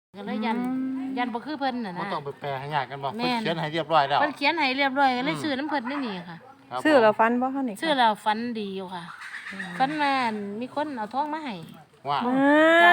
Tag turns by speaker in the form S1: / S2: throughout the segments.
S1: ก็เลยยันบ่คือเพิ่นน่ะ
S2: บ่
S1: นะ
S2: ต้องไปแปลให้ยากกันบ่
S1: แม่
S2: เพิ่น
S1: น
S2: เขียนให้เรียบร้อยแล้ว
S1: เพิ่นเขียนให้เรียบร้อยก็เลยซื้อน้ำเพิ่นนี่ค่ะ
S2: ครับ
S3: ซื้อแล้วฟันบ่เฮานี่
S1: ซื้อแล้วฝันดีอยู่ค่ะฝันว่ามีคนเอาทองมาให้
S2: ว่า
S3: มา
S1: จ้ะ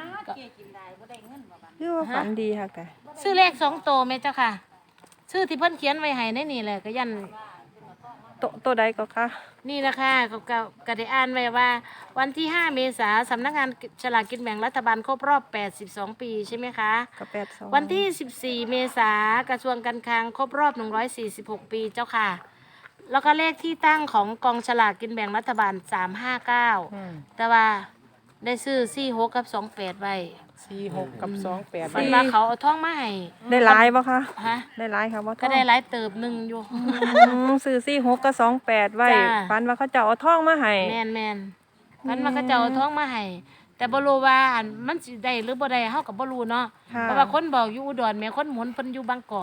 S3: คือว่าฝันดีค่ะแต่
S1: ซื้อเลข2โตวแม่เจ้าค่ะซื้อที่เพิ่นเขียนไว้ให้ในนี่แหละก็ยัน
S3: ตัวใดก็ค่ะ
S1: นี่แหละค่ะก็ได้อ่านไว้ว่า วันที่ 5 เมษายนสำนักงานฉลากกินแบ่งรัฐบาลครบรอบ 82 ปีใช่ไหมคะ
S3: ก็82
S1: วันที่ 14 เมษายนกระทรวงการคลังครบรอบ 146 ปีเจ้าค่ะ แล้วก็เลขที่ตั้งของกองฉลากกินแบ่งรัฐบาล 359 แต่ว่าได้ซื้อ 46 กับ 28 ไว้
S4: 46 กับ 28
S1: มันมาเขาเอาท่องมาให้
S3: ได้หลายบ่คะ
S1: ฮะ
S3: ได้หลายค่ะบ่
S1: ก็ได้หลายเติบหนึ่งอยู่
S3: ซื้อ46กับ28ไว้
S1: จ้า
S3: ฝันว่าเขาจะเอาทองมาให้
S1: แมนมันมาเขาเจ้าเอาท่องมาให้ แต่บ่รู้ว่าอันมันสิได้หรือบ่ได้เฮาก็บ่รู้เนาะ
S3: ค่ะ
S1: เพราะว่าคนบอกอยู่อุดรแม่คนหมุนเพิ่นอยู่บางกอก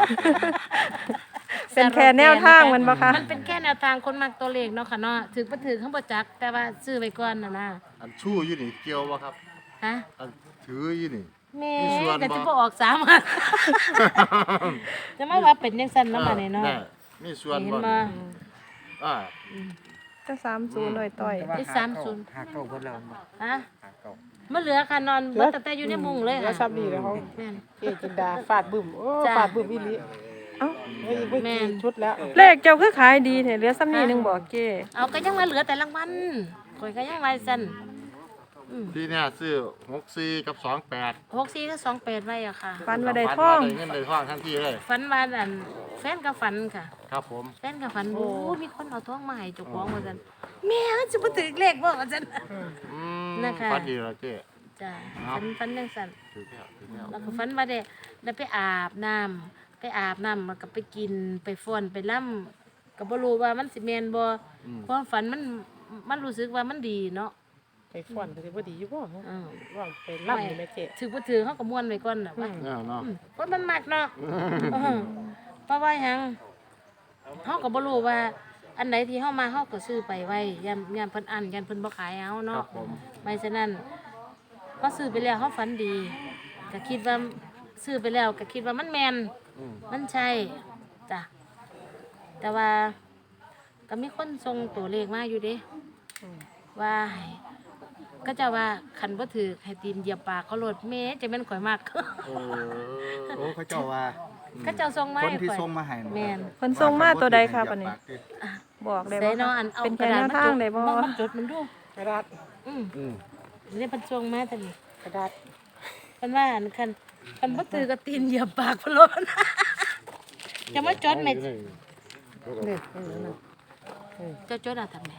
S3: เป็นแค่แนวทางมันบ่คะ
S1: มันเป็นแค่แนวทางคนมักตัวเลขเนาะค่ะเนาะถึงบ่ถึงเขาบ่จัก แต่ว่าซื้อไว้ก่อนน่ะนะ
S2: อันชู้อยู่นี่เกี่ยวบ่ครับ
S1: ฮะ
S2: อันถืออยู่นี่
S1: แม่
S2: มีส่วนบ่
S1: ก็จะบ่ออก3อัน จะมาว่าเป็นจังซั่นเนาะมานี่เนาะ
S2: ได้มีส่วน
S1: เห็น
S2: บ่
S1: บ่
S2: อ่า
S3: จะ30หน่อยต่อย
S1: ที่30
S4: หาเก่าเพิ่นแล้ว
S1: ฮะ
S4: หาเก่า
S1: มันเหลือค่ะนอนเบิดตั้งแต่อยู่ในมุ้งเลย
S4: แล้ว
S1: ค่ะ
S4: ซับนี่แล้วเขา
S1: แม่น
S4: เจ๊จินดาฟาดบึ้มโอ้
S1: จ้ะ
S4: ฟาดบึ้มอีหลี
S3: เอ้า
S4: เฮ้ยบ่
S1: แม่
S4: กี่
S1: น
S4: ชุดแล้ว
S3: เลขเจ้าคือขายดีแท้เหลือซ้ำนี้หนึงบ่เจ้
S1: เอาก็ยังมาเหลือแต่รางวัลข่อยก็ยังว่าซั่น
S2: ที่เนี่ยซื้อ64กับ28
S1: 64ก็28ไว้อะค่ะ
S3: ฝันว่าได้ทอง
S2: ได้เงินได้ทองทันทีเลย
S1: ฝันว่าอันแฟนก็ฝันค่ะ
S2: ครับผม
S1: แฟนก็ฝันโอ้มีคนเอาทองมาให้เจ้าของว่าซั่นแม่มันสิบ่ถึกเลขบ่ว่าซั่น
S2: อืม
S1: นะคะ
S2: ฝันดีแล้วเจ๊
S1: จ้ะ
S2: ครับ
S1: ฝันจังซั่น
S2: ถือแล้วถือแล้ว
S1: แล้วก็ฝันว่าได้ไปอาบน้ำแล้วก็ไปกินไปฟ้อนไปล่ำก็บ่รู้ว่ามันสิแม่นบ่ความฝันมันรู้สึกว่ามันดีเนาะ
S4: ไปฟ้อนก็สิบ่ดีอยู่บ่
S1: อือ
S4: ว่าไปล่ำนี่แม่เจ๊
S1: ถือบ่ถือเฮาก็ม่วนไว้ก่อนน่ะว่า
S2: เนาะ
S1: คนมันมักเนาะเพราะว่าหยังเฮาก็บ่รู้ว่า อันไหนที่เฮามาเฮาก็ซื้อไปไว้ยามเพิ่นอั้นยามเพิ่นบ่ขายเอา
S2: ครั
S1: เนาะ
S2: บผม
S1: ไม่ฉะนั้นพอซื้อไปแล้วเฮาฝันดีก็คิดว่าซื้อไปแล้วก็คิดว่ามันแม่น
S2: อืม
S1: มันใช่จ้ะแต่ว่าก็มีคนส่งตัวเลขมาอยู่เด้ว่าให้ก็จะว่าคันบ่ถือให้ตีนเหยียบปากเขาโลดแม่จะแม่นข่อยมาก
S2: เออ
S5: โอ้เขาเจ้าว่า
S1: เขาเจ้าส่งมา
S5: คน
S1: ให้
S5: ที่
S1: ข่อย
S5: ส่งมาให้น่ะ
S1: แม่น
S3: เพิ่นส่งมาตัวใดค่ะบัดนี้ บอกได้
S1: ใส่
S3: บ่
S1: เนาะ
S3: คะ
S1: อันเอา
S3: เป็น
S1: ก
S3: แค่
S1: ระดา
S3: แน
S1: ษ
S3: วทางได้บ่
S1: มาจดมันดู
S4: กระดาษ
S1: อืม
S2: อืม
S1: นี่เพิ่นส่งมาแต่นี่
S4: กระดาษ
S1: เพิ่นว่าอันคันบ่ถือก็ตีนเหยียบปากเพิ่นโลด จะมาจดแม่
S4: นี่นั่น
S1: จะจดเอาทำไม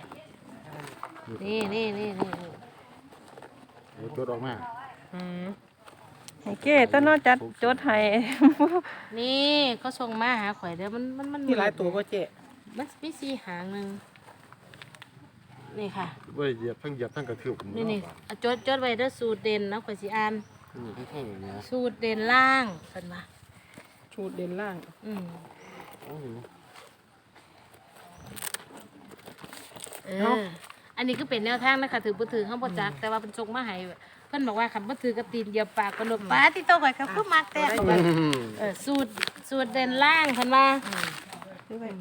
S1: นี่
S2: จดออกมา
S4: อืม
S3: ให้เก้ต้นเนาะจัดจดให้
S1: นี่เขาส่งมาหาข่อยเด้อมัน
S4: มีหลายตัวบ่เจ๊
S1: มันมีสี่หางหนึงนี่ค่ะ
S2: บ่ได้เหยียบทั้งกระทืบ
S1: นี่เอาจดไว้เด้อสูตรเด่นนะข่อยสิอ่าน
S2: นี่แค่ๆเนี่ย
S1: สูตรเด่นล่างเพิ่นว่า
S4: ชุดเด่นล่าง
S1: อืม
S2: โอ้โห
S1: อันนี้คือเป็นแนวทางนะคะถือบ่ถือเฮาบ่จักแต่ว่าเพิ่นส่งมาให้เพิ่นบอกว่าคันบ่ถือกระตีนเหยียบปากกระโดดปาที่โตข่อยก็คือมักแต่เขาว่าสูตรเด่นล่างเพิ่นว่า
S3: คือไว้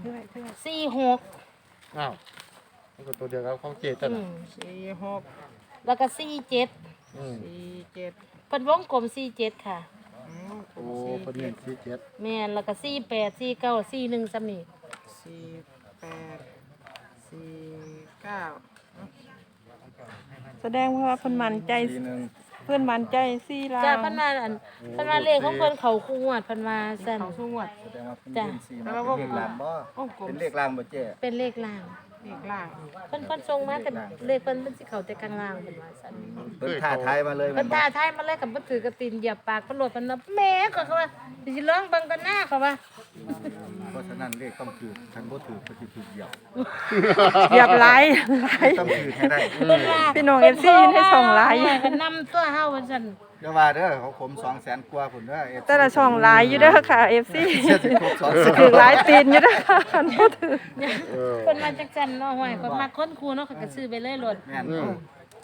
S1: 46
S2: อ้าวมันก็ตัวเดียวกับของเจ๊ตั้น
S1: อื
S2: น่ะ
S1: ม
S4: 46
S1: แล้วก็47
S2: อืม
S4: 47
S1: เพิ่นวงกลม47ค่ะ
S4: อืม
S2: โอ้เพิ่นเน้น47
S1: แม่นแล้วก็48 49 41ซ้ำนี่
S4: 48 49
S3: แสดงว่าเพิ่นมั่นใจ
S5: ทีหนึง
S3: เพิ่นมั่นใจ4ล้า
S1: จ้าน เพิ่นว่าอันเพิ่นว่าเลขของเพิ่นเข้าคู่งวดเพิ่นว่าซั่น
S4: เขาสู้งวด
S5: แสดงว่าเป็น
S1: จ้ะ
S5: เล่นซีมาเป็นเลขลางบ่
S4: โอ้กลม
S5: เป็นเลขลางบ่เจ๊
S1: เป็นเลขล่าง
S4: เลขล่าง
S1: เพิ่นส่งมาแต่เลขเพิ่นมันสิเข้าแต่กลางล่างเพิ่นว่าซั่น
S5: เพิ่นท่าทายมาเลย
S1: เพิ่นท้าทายมาเลยกับบ่ถือกระตินเหยียบปากเพิ่นโลดเพิ่นว่าแหม่ก็เขาว่าสิลองเบิ่งกันหน้าเขาว่า
S5: เพราะฉะนั้นเลขต้องถูกคันบ่ถูกก็สิถูกเหยียบ
S3: เหยียบหลายหลาย
S5: ต้องถูกให้ได้
S1: เพิ่นว่า
S3: พี่น้อง FC ให้ส่งหลาย
S1: ก็นำตัวเฮาว่าซั่น
S5: อย่าว่าเด้อเขาขม200,000กว่าพุ่นเด้อ FC
S3: แต่ละช่องหลายอยู่เด้อค่ะ FC
S5: เชื่อสิครบ200,000
S3: ถือหลายตีนอยู่เด้อค่ะคันบ่ถือ
S1: เพิ่นมาจักซั่นเนาะห้วยเพิ่นมาค้นครูเนาะเขาก็ซื้อไปเลยโลด
S5: แม่น
S2: อืม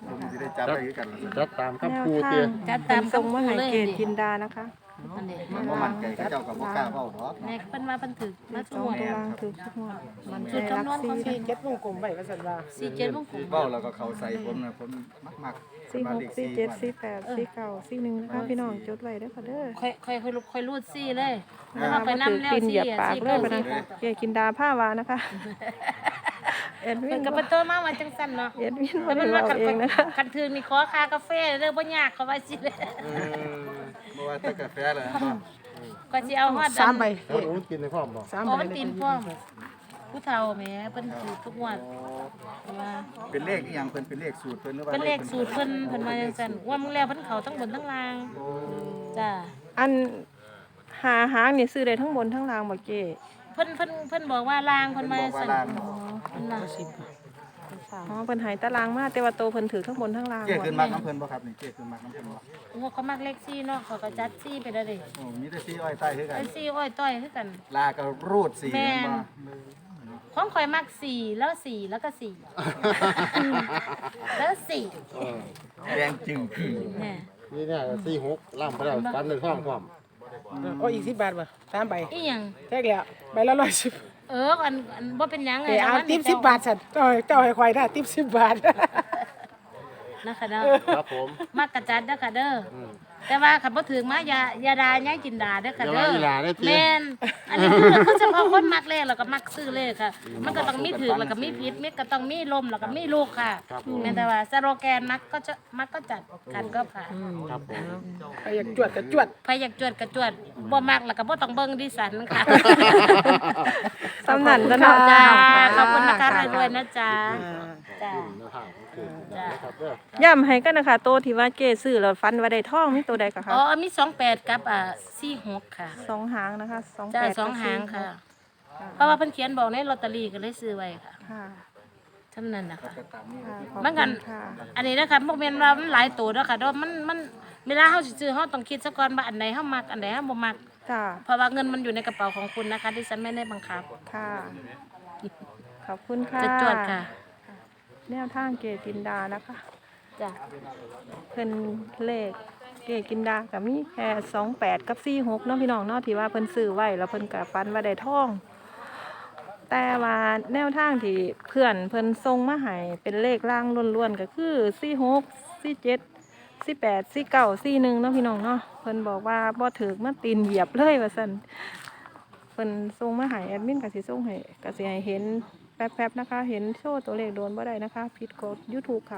S5: ผมสิได้จับไปคือกันล่ะ
S2: จัดตาม
S3: แน
S2: คำ
S3: ว
S2: พูด
S3: ทา
S2: เตี้ย
S3: ง
S1: จัดตาม
S3: ส่งมาให้
S1: คำพูดเลย
S3: เกณฑ์จินดานะคะ
S1: อันนี้
S5: มันบ่มั่นใจเขาเจ้าก็บ่กล้าเว้าเนาะ
S1: แม่เพิ่นว่าเพิ่นถึกมา
S3: ส
S1: ทุ
S3: อก ง
S1: งวด
S3: ตัวล่างถือทุกงวดมันใจ
S1: จุด
S3: รัก
S1: คำนวณของ
S3: ซี่
S1: พี่
S4: เจ็ดวงกลมไว้ว่าสันว่า
S1: 47วงกล
S5: คือ
S1: ม
S5: เว้าแล้วก็เขาใส่ผมนะผมมัก
S3: ซี่หกซี่เจ็ดซี่แปดซี่เก้าซี่หนึ่งนะคะพี่น้องจดไว้เด้อค่ะเด้อ
S1: ค่อยรูดซี่เลยแล้วเราไปนำแล้ว
S3: ตีนเหยี
S1: ซี่
S3: ยบปาก
S1: ซี่
S3: เล
S1: เก้าย
S3: ปะนะ
S1: ซี่
S3: เกกินดาผ้าวานะคะเอ็ดวิ
S1: เพิ่
S3: น
S1: นก็เพิ่นโตมาว่าจังซั่นเนาะ
S3: เอ็ดวิน
S1: แต่
S3: มา
S1: มัน
S3: เรา
S1: ว่า
S3: เองนะคะ
S1: คันถือมีขอค่ากาแฟเด้อบ่ยากเขาว่าสิเลย
S5: บ่ว่าแต่กาแฟแหละ
S1: ก็สิเอาฮอด
S4: 3 ใบ
S2: แล้วโอ้กินในพร้อมบ่
S4: 3
S1: โอ้
S4: ใบ
S1: มันตีนพร้อมผู้เฒ่าแหมเพิ่นถือทุกงวดว่า
S5: เป็นเลขอีหยังเพิ่นเป็นเลขสูตรเพิ่นหรือว่า
S1: เป็นเลขสูตรเพิ่นมาจังซั่นว่ามึงแล้วเพิ่นเข้าทั้งบนทั้งล่างจ้า
S3: อันหาหางนี่ซื้อได้ทั้งบนทั้งล่างบ่เจ
S1: เพิ่นบอกว่าล่างเพิ่นมาจังซั่น
S3: อ๋อ
S1: เพิ่นว่า
S3: อ๋อเพิ่นใหายตารางมาแต่ว่าโตเพิ่นถือทั้งบนทั้งล่าง
S5: เจ๊
S3: บ่
S5: ขึ้นมักน้ำเพิ่นบ่ครับนี่เจ๊ขึ้นมักน้ำเพิ่นบ่
S1: โอ้เขามักเลข4เนาะเขาก็จัด4ไปแล้วเด้
S5: โอ้มีแต่สีอ้อยใต้คือกัน
S1: ไอ้4อ้อยต้อยคือกัน
S5: ลาก็รูดสี
S1: แม่
S5: แม่น
S1: น
S5: บ่
S1: ของข่อยมัก4แล้ว4แล้วก็4แล้ว4
S5: แดงจึงคือ
S1: แหม่
S2: นี่เนี่ย46ล่ำไปแล้วฟันในพร้อมพร้อม
S4: โอ้อีก10 บาทบ่3ใบ
S1: อีหยัง
S4: แท้แล้วใบละ110
S1: อันบ่เป็นหยังไง
S4: เอาติ๊บ10 บาทสั่นเจ้าให้ข่อยได้ติ๊บ10 บาท
S1: นะคะเด้อ
S2: ครับผม
S1: มักกระจัดเด้อค่ะเด้ออแต่ว่าคันบ่ถึงมาอย่าด่าย่ายกินด่าเด้อค่ะ
S2: อย่า
S1: เด้
S2: ว่า
S1: อ
S2: อีหลาได้อติ
S1: แม่นอันนี้คือเฉพาะคนมักเลขแล้วก็มักซื้อเลขค่ะ มันก็ต้องมีถูกแล้วก็มีผิดมีก็ต้องมีลมแล้วก็มีลูกค่ะ
S2: ครับผม
S1: แม่นแต่ว่าสโลแกนมักก็จัดกันก็ผ่าน
S2: ครับผม
S4: ไปอยากจวดก็จวด
S1: ใครอยากจวดก็จวดบ่มักแล้วก็บ่ต้องเบิ่งดิฉันค่ะ
S3: สำนันก็เนาะ
S1: จ้าขอบคุณนะคะรวยๆนะจ๊ะจ้า
S2: แนวทางของคือนะครับเด้อ
S3: ย้ำให้กันนะคะโตที่ว่าเจซื้อแล้วฟันว่าได้ทองมีตัวใดก็คะ
S1: อ๋อมี28กับ46ค่ะ
S3: สองหางนะคะ
S1: จ้า
S3: 28กับ
S1: สองหาง
S3: 46
S1: ค่ะ เพราะว่าเพิ่นเขียนบอกในลอตเตอรี่ก็เลยซื้อไว้ค่ะ
S3: ค่ะ
S1: เท่านั้นนะคะ
S5: ก็ตามนี้
S3: ค่ะขอบ
S1: มัน
S3: คุ
S1: กัน
S3: ณค่ะ
S1: อันนี้นะคะบ่แม่นว่ามันหลายตัวเด้อค่ะเด้อมันเวลาเฮาสิซื้อเฮาต้องคิดซะก่อนว่าอันไหนเฮามักอันไหนเฮาบ่มัก
S3: จ้า
S1: เพราะว่าเงินมันอยู่ในกระเป๋าของคุณนะคะดิฉันไม่ได้บังคับ
S3: ค่ะ ขอบคุณค่ะ
S1: จะจวดค่ะ
S3: แนวทางเกจินดานะคะ
S1: จ้ะ
S3: เพิ่นเลขเกกินดากับมีแค่28กับ46เนาะพี่น้องเนาะที่ว่าเพิ่นซื้อไว้แล้วเพิ่นก็ฟันว่าได้ทอง แต่ว่าแนวทางที่เพื่อนเพิ่นส่งมาให้เป็นเลขล่างล้วนๆก็คือ46 47 48 49 41เนาะพี่น้องเนาะเพิ่นบอกว่าบ่ถึกมาตีนเหยียบเลยว่าซั่นเพิ่นส่งมาให้แอดมินก็สิส่งให้ก็สิให้เห็นแป๊บๆนะคะ เห็นโชว์ตัวเลขโดนบ่ได้นะคะผิดกฎ YouTube ค่ะ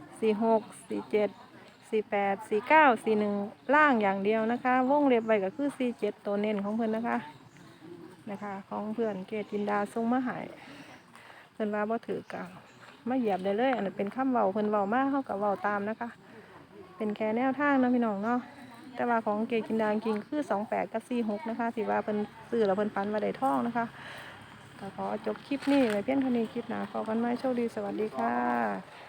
S3: 46 47 48 49 41ล่างอย่างเดียวนะคะ วงเล็บไว้ก็คือ47ตัวเน้นของเพิ่นนะคะของเพื่อนเกจินดาส่งมาให้เพิ่นว่าบ่ถือกะมาเหยียบได้เลย อันนั้นเป็นคำเว้าเพิ่นเว้ามาเฮาก็เว้าตามนะคะ เป็นแค่แนวทางเนาะพี่น้องเนาะแต่ว่าของเกจินดาจริงๆคือ28กับ46นะคะที่ว่าเพิ่นซื้อแล้วเพิ่นฝันว่าได้ทองนะคะก็ขอจบคลิปนี้ไว้เพียงเท่านี้คลิปหน้าพบกันใหม่โชคดีสวัสดีค่ะ